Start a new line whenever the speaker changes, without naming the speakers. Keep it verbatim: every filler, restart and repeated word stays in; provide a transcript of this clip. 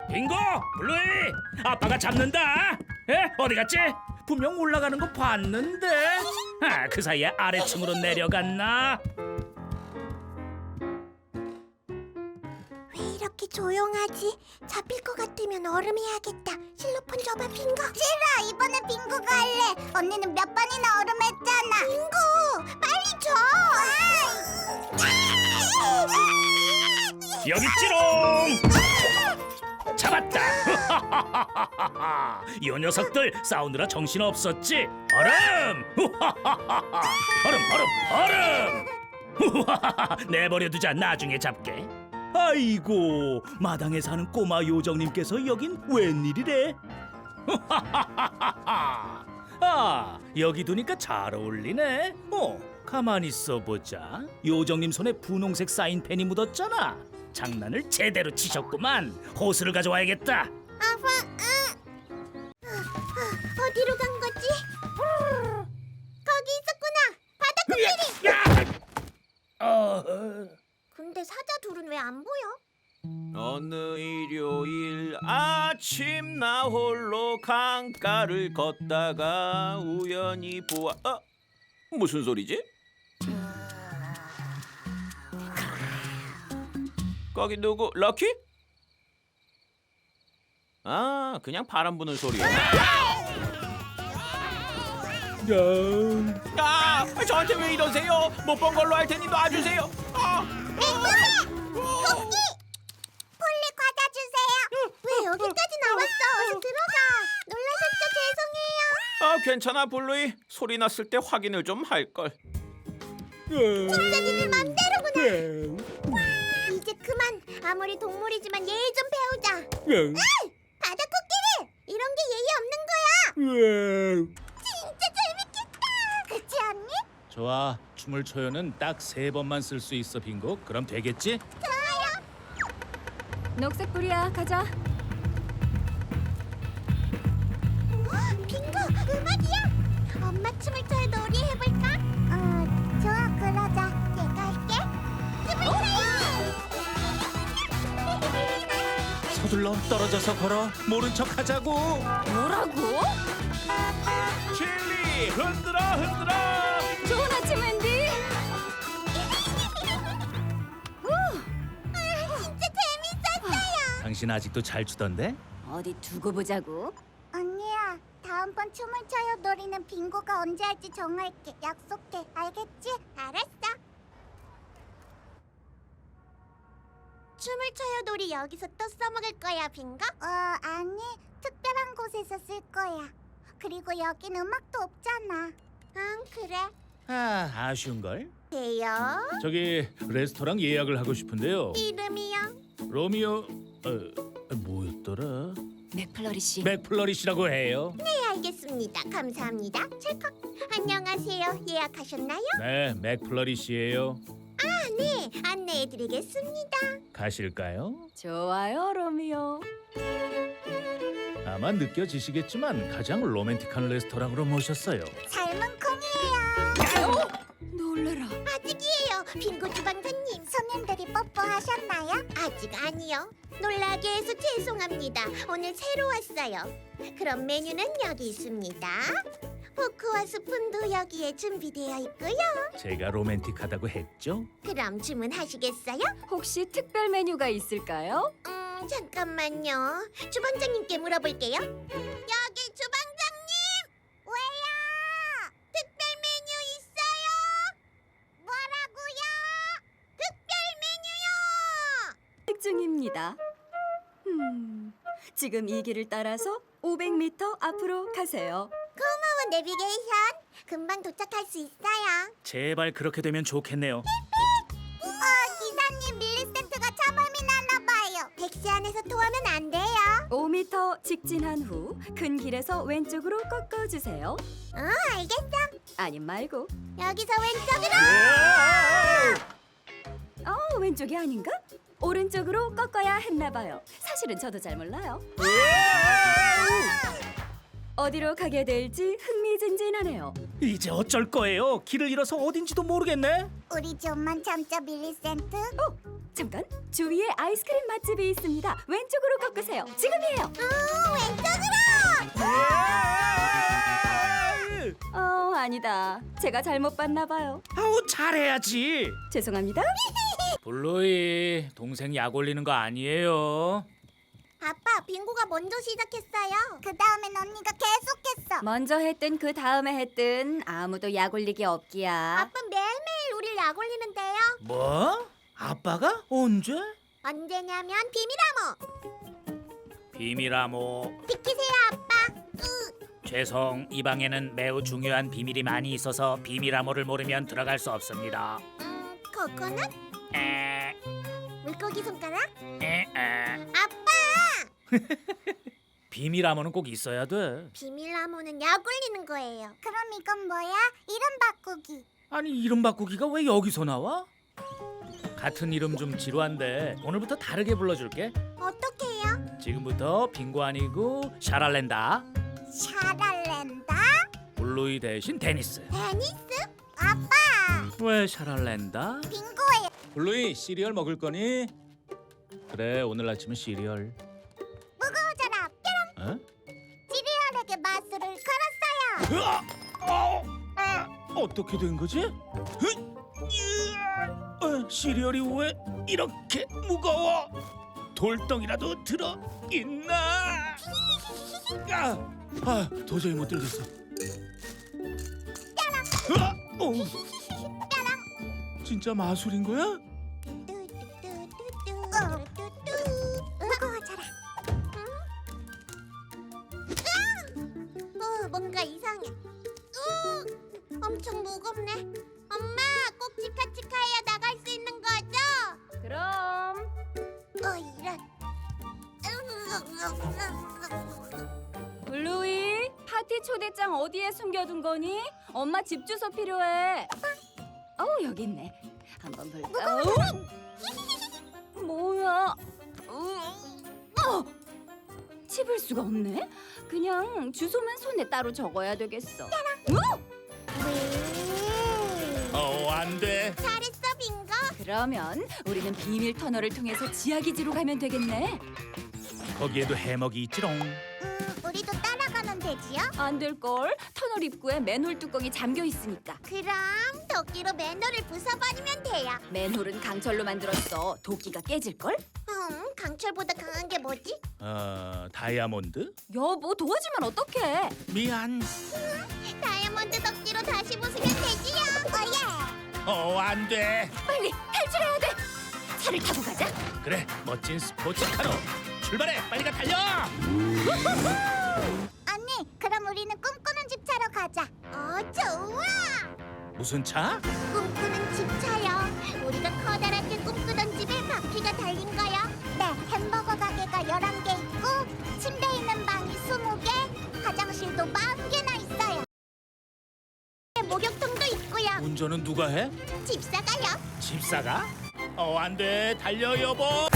빙고, 블루이, 아빠가 잡는다. 에? 어디 갔지? 분명 올라가는 거 봤는데. 아, 그 사이에 아래층으로 내려갔나?
왜 이렇게 조용하지? 잡힐 것 같으면 얼음해야겠다. 실로폰 줘봐, 빙고. 싫어, 이번에 빙고가 할래. 언니는 몇 번이나 얼음했잖아. 빙고, 빨리 줘.
여기 있지롱. 잡았다. 이 녀석들 싸우느라 정신 없었지. 얼음. 얼음, 얼음, 얼음. 내버려두자. 나중에 잡게. 아이고, 마당에 사는 꼬마 요정님께서 여긴 웬일이래? 아, 여기 두니까 잘 어울리네. 어, 가만히 있어보자. 요정님 손에 분홍색 사인펜이 묻었잖아. 장난을 제대로 치셨구만. 호수를 가져와야겠다.
아빠, 응. 어디로 간 거지? 거기 있었구나. 바닥 코끼리.
야! 어...
근데 사자 둘은 왜 안 보여?
어느 일요일 아침 나 홀로 강가를 걷다가 우연히 보아 어? 무슨 소리지? 거기 누구? 럭키? 아 그냥 바람 부는 소리야. 아 저한테 왜 이러세요? 못 본 걸로 할 테니 놔주세요. 아.
토끼! 폴리 과자 주세요. 왜 여기까지 나왔어? 어서 들어가. 놀라셨죠? 죄송해요.
아 괜찮아 블루이. 소리 났을 때 확인을 좀 할걸.
진짜 니들 맘대로구나. 이제 그만. 아무리 동물이지만 예의 좀 배우자. 으이! 바다 코끼리! 이런 게 예의 없는 거야. 진짜 재밌겠다. 그치 언니?
좋아, 춤을 춰요는 딱 세 번만 쓸 수 있어, 빙고. 그럼 되겠지?
녹색 불이야, 가자.
어, 빙고 음악이야. 엄마 춤을 춰요 놀이 해볼까? 어, 좋아 그러자. 내가 할게. 춤을 춰요.
서둘러 떨어져서 걸어. 모른 척 하자고.
뭐라고?
칠리 흔들어 흔들어.
좋은 아침, 앤디.
아, 진짜 재밌었어요.
당신 아직도 잘 추던데?
어디 두고 보자고.
언니야, 다음번 춤을 춰요 놀이는 빙고가 언제 할지 정할게. 약속해. 알겠지? 알았어. 춤을 춰요 놀이 여기서 또 써먹을 거야, 빙고? 어, 아니. 특별한 곳에서 쓸 거야. 그리고 여긴 음악도 없잖아. 응, 그래.
아, 아쉬운걸?
돼요?
저기 레스토랑 예약을 하고 싶은데요.
이름이요?
로미오... 어, 뭐였더라?
맥플러리시.
맥플러리시라고 해요.
네, 알겠습니다. 감사합니다. 찰칵. 안녕하세요. 예약하셨나요?
네, 맥플러리시예요.
아, 네. 안내해드리겠습니다.
가실까요?
좋아요, 로미오.
아마 느껴지시겠지만 가장 로맨틱한 레스토랑으로 모셨어요.
삶은 콩이에요.
놀래라.
아직이에요. 빙고 주방장님. 손님들이 뽀뽀하셨나요? 아직 아니요. 놀라게 해서 죄송합니다. 오늘 새로 왔어요. 그럼 메뉴는 여기 있습니다. 포크와 스푼도 여기에 준비되어 있고요.
제가 로맨틱하다고 했죠?
그럼 주문하시겠어요?
혹시 특별 메뉴가 있을까요?
음, 잠깐만요. 주방장님께 물어볼게요. 여기 주방장님! 왜요? 특별 메뉴 있어요? 뭐라고요? 특별 메뉴요!
특중입니다. 음, 지금 이 길을 따라서 오백 미터 앞으로 가세요.
고마워 내비게이션. 금방 도착할 수 있어요.
제발 그렇게 되면 좋겠네요.
어, 기사님 밀리센트가 차범이 나나 봐요. 택시 안에서 토하면 안 돼요.
오 미터 직진한 후 큰 길에서 왼쪽으로 꺾어주세요.
어, 알겠어.
아님 말고.
여기서 왼쪽으로.
어, 왼쪽이 아닌가? 오른쪽으로 꺾어야 했나 봐요. 사실은 저도 잘 몰라요. 어디로 가게 될지 흥미진진하네요.
이제 어쩔 거예요? 길을 잃어서 어딘지도 모르겠네.
우리 좀만 참자 밀리센트.
어, 잠깐, 주위에 아이스크림 맛집이 있습니다. 왼쪽으로 꺾으세요. 지금이에요.
음, 왼쪽으로.
어, 아니다. 제가 잘못 봤나 봐요.
아우 잘해야지.
죄송합니다.
블루이 동생 약 올리는 거 아니에요.
아빠, 빙고가 먼저 시작했어요. 그 다음엔 언니가 계속했어.
먼저 했든 그 다음에 했든 아무도 약 올리기 없기야.
아빠 매일매일 우릴 약 올리는데요.
뭐? 아빠가 언제?
언제냐면 비밀암호.
비밀암호.
비키세요, 아빠. 으,
죄송, 이 방에는 매우 중요한 비밀이 많이 있어서 비밀암호를 모르면 들어갈 수 없습니다.
음, 코코넛?
에,
물고기 손가락?
에, 에.
아빠!
비밀암호는 꼭 있어야 돼.
비밀암호는 약 올리는 거예요. 그럼 이건 뭐야? 이름 바꾸기.
아니 이름 바꾸기가 왜 여기서 나와? 같은 이름 좀 지루한데 오늘부터 다르게 불러줄게.
어떻게 해요?
지금부터 빙고 아니고 샤랄렌다.
샤랄렌다?
블루이 대신 데니스.
데니스? 아빠!
왜 샤랄렌다?
빙고예요.
블루이 시리얼 먹을 거니? 그래 오늘 아침은 시리얼.
무거워져라. 뾰롱.
어?
시리얼에게 마술을 걸었어요.
으아! 어! 아! 어떻게 된 거지? 흐! 으아! 어, 시리얼이 왜 이렇게 무거워? 돌덩이라도 들어 있나? 아, 아 도저히 못 들겠어. 으아! 어, 진짜 마술인 거야?
뚜뚜뚜뚜뚜뚜뚜. 무거워져라. 응? 으아! 어, 뭔가 이상해. 으, 엄청 무겁네. 엄마, 꼭 치카치카해야 나갈 수 있는 거죠?
그럼
어, 이런.
블루이, 파티 초대장 어디에 숨겨둔 거니? 엄마 집 주소 필요해. 어우, 여기 있네. 한번 볼까? 어우, 뭐야? 어! 집을 수가 없네. 그냥 주소만 손에 따로 적어야 되겠어. 어?
어, 안 돼.
잘했어, 빙고.
그러면 우리는 비밀 터널을 통해서 지하 기지로 가면 되겠네.
거기에도 해먹이 있지롱.
음, 우리도 따라가면 되지요?
안 될 걸. 터널 입구에 맨홀 뚜껑이 잠겨 있으니까.
그럼 도끼로 맨홀을 부숴버리면 돼요.
맨홀은 강철로 만들었어. 도끼가 깨질 걸?
음, 강철보다 강한 게 뭐지?
어, 다이아몬드?
여보, 도와주면 어떡해?
미안.
다이아몬드 도끼로 다시 부수면 되지요. 어예.
어, 안 돼.
빨리 탈출해야 돼. 차를 타고 가자.
그래, 멋진 스포츠카로 출발해. 빨리 가 달려.
언니, 그럼 우리는 꿈꾸는 집 차로 가자. 어, 좋아.
무슨 차?
꿈꾸는 집 차요. 우리가 커다랗게 꿈꾸던 집에 바퀴가 달린 거요. 네, 햄버거 가게가 열한 개 있고 침대 있는 방이 스무 개, 화장실도 마흔 개나 있어요. 목욕통도 있고요.
운전은 누가 해?
집사가요.
집사가? 어, 안 돼. 달려 여보.